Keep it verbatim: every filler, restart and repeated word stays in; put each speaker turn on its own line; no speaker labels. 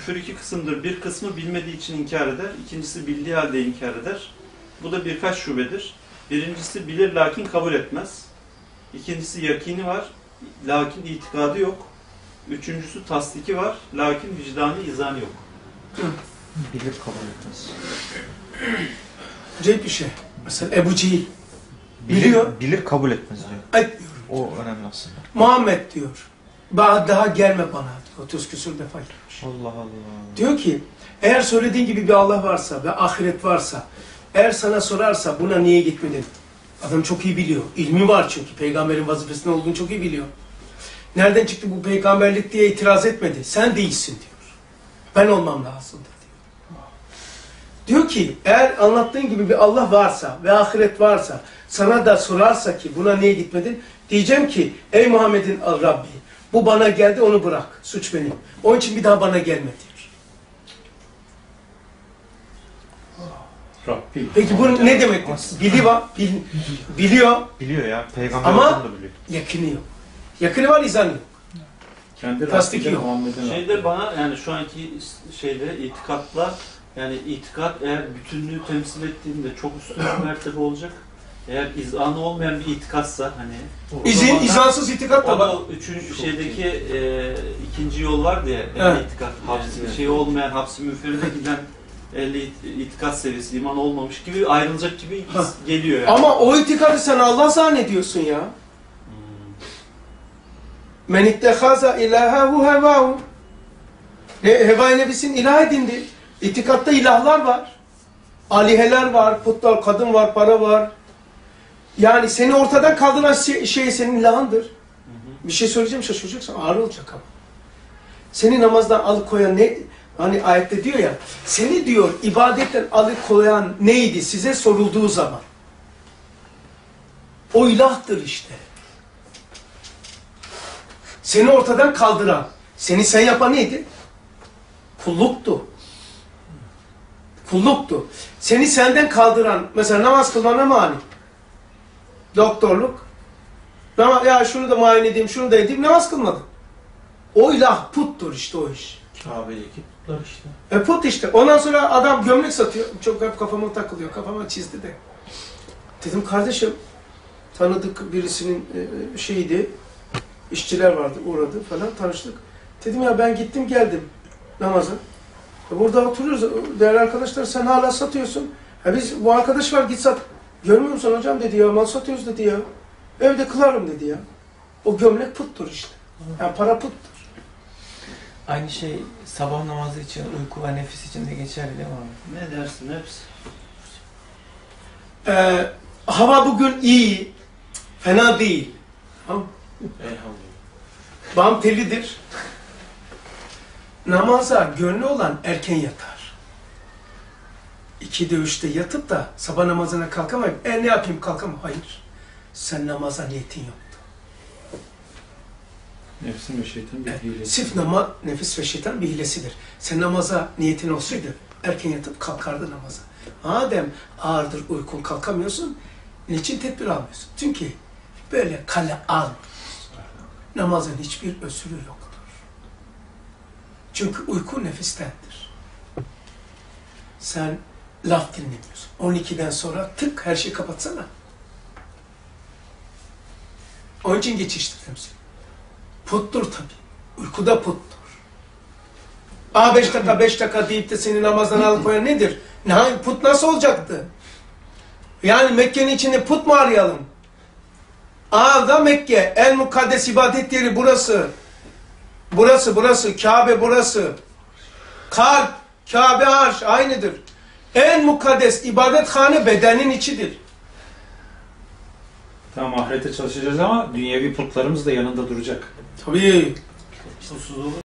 küfür iki kısımdır. Bir kısmı bilmediği için inkar eder. İkincisi bildiği halde inkar eder. Bu da birkaç şubedir. Birincisi bilir lakin kabul etmez. İkincisi yakini var lakin itikadı yok. Üçüncüsü tasdiki var lakin vicdanı izanı yok.
Bilir kabul etmez.
Acayip bir şey. Mesela Ebu Cehil biliyor.
Bilir, bilir kabul etmez diyor.
Etmiyor.
O önemli aslında.
Muhammed diyor. Daha gelme bana diyor. otuz küsur defa gelmiş.
Allah Allah.
Diyor ki eğer söylediğin gibi bir Allah varsa ve ahiret varsa, eğer sana sorarsa buna niye gitmedin? Adam çok iyi biliyor. İlmi var çünkü. Peygamberin vazifesinde olduğunu çok iyi biliyor. Nereden çıktı bu peygamberlik diye itiraz etmedi. Sen değilsin diyor. Ben olmam lazım diyor. Diyor ki eğer anlattığın gibi bir Allah varsa ve ahiret varsa sana da sorarsa ki buna niye gitmedin? Diyeceğim ki ey Muhammed'in Rabbi bu bana geldi onu bırak. Suç benim. Onun için bir daha bana gelme diyor.
Rabbi.
Peki bu ne demek? Biliyor, bil, biliyor
Biliyor ya. Peygamber
ama
da biliyor.
yakını yok. Yakını var, izanı yok.
Kendi
Tasdiki
Rabbi'de
yok.
Muhammed'in şeyde bana yani şu anki şeyde itikatla yani itikat eğer bütünlüğü temsil ettiğinde çok üstün bir mertebe olacak. Eğer izanı olmayan bir itikatsa hani
İzin, izansız itikat da var.
o üçüncü şeydeki e, ikinci yol var diye
Evet.
itikat hapsi evet. Şey olmayan hapsi müferide giden ehli itikat seviyesi iman olmamış gibi ayrılacak gibi
Ha.
geliyor yani.
Ama o itikadı sen Allah zannediyorsun ya. Men ittehaza ilahehu hevahu. Heva-i nefsin ilah edindi. İtikatta ilahlar var. Aliheler var, putlar, kadın var, para var. Yani seni ortadan kaldıran şey, şey senin ilahındır. Hı hı. Bir şey söyleyeceğim, şaşıracaksın, ağır olacak ama. Seni namazdan alıkoyan ne? Hani ayette diyor ya, seni diyor ibadetten alıkoyan neydi size sorulduğu zaman? O ilahtır işte. Seni ortadan kaldıran, seni sen yapan neydi? Kulluktu. Kulluktu. Seni senden kaldıran, mesela namaz kılmana mani. Doktorluk. Nama, ya şunu da muayene edeyim, şunu da edeyim, namaz kılmadın. O ilah puttur işte o iş.
Kabe'deki putlar işte.
E put işte. Ondan sonra adam gömlek satıyor. Çok hep kafama takılıyor. Kafama çizdi de. Dedim kardeşim, tanıdık birisinin e, şeydi. İşçiler vardı, uğradı falan, tanıştık. Dedim ya ben gittim geldim namaza. Burada oturuyoruz, değerli arkadaşlar sen hala satıyorsun. Ha biz, bu arkadaş var git sat. Görmüyor musun hocam dedi ya, mal satıyoruz dedi ya. Evde kılarım dedi ya. O gömlek puttur işte. Yani para puttur.
Aynı şey sabah namazı için, uyku ve nefis için de geçerli değil mi abi?
Ne dersin hepsi?
Ee, hava bugün iyi, fena değil. Tamam. Bam telidir. Namaza gönlü olan erken yatar. İkide üçte yatıp da sabah namazına kalkamayıp e ne yapayım kalkamam. Hayır. Sen namaza niyetin yoktu.
Nefsin ve şeytan bir
E,
hilesi.
sırf nama, nefis ve şeytan bir hilesidir. Sen namaza niyetin olsaydı erken yatıp kalkardı namaza. Madem ağırdır uykun kalkamıyorsun, niçin tedbir almıyorsun? Çünkü böyle kale almıyorsun. Namazın hiçbir özürü yoktur. Çünkü uyku nefistendir. Sen laf dinlemiyorsun. on ikiden sonra tık her şeyi kapatsana. Onun için geçiştirdim seni. Puttur tabii. Uykuda puttur. Aa beş dakika beş dakika deyip de seni namazdan alıkoyan nedir? Ne, put nasıl olacaktı? Yani Mekke'nin içinde put mu arayalım? Aa da Mekke, en mukaddes ibadet yeri burası. Burası, burası, Kabe burası. Kalp, Kabe arş aynıdır. En mukaddes ibadethane bedenin içidir.
Tamam ahirete çalışacağız ama dünyevi putlarımız da yanında duracak.
Tabii.
Susuz olur.